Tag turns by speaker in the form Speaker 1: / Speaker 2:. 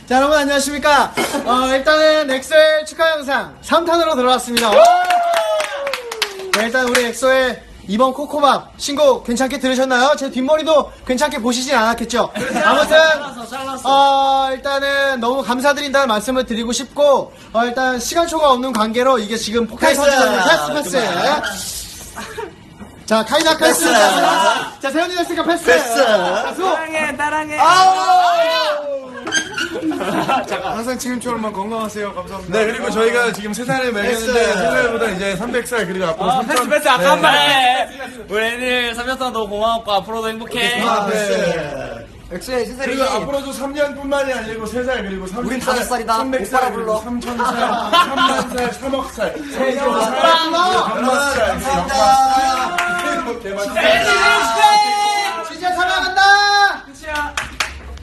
Speaker 1: 자, 여러분 안녕하십니까? 일단은 엑소의 축하 영상 3탄으로 들어왔습니다. 네, 일단 우리 엑소의 이번 코코밥 신곡 괜찮게 들으셨나요? 제 뒷머리도 괜찮게 보시진 않았겠죠? 아무튼 일단은 너무 감사드린다는 말씀을 드리고 싶고 일단 시간초가 없는 관계로 이게 지금 폭탄이 터지거든요. 패스. 자, 카이자 패스. 자, 세현이 됐으니까 패스. 자, 수호.
Speaker 2: 따랑해.
Speaker 1: 항상 지금처럼만 건강하세요. 감사합니다.
Speaker 3: 네, 그리고 저희가 지금 3살을 먹였는데 3살보다 이제 300살 그리고 앞으로 3천.
Speaker 2: 패스 아까 한 말. 우리 애들 3년 동안 너무 고마웠고 앞으로도 행복해.
Speaker 1: 엑소의 세살이
Speaker 3: 그리고 앞으로도 3년뿐만이 아니고 3살 그리고 30살,
Speaker 1: 우린 5살이다.
Speaker 3: 300살
Speaker 1: 오빠라
Speaker 3: 그리고
Speaker 1: 불러.
Speaker 3: 3,000살, 3만살, 3억살, 3억살,
Speaker 1: 감사합니다.
Speaker 3: 3만살, 3억살.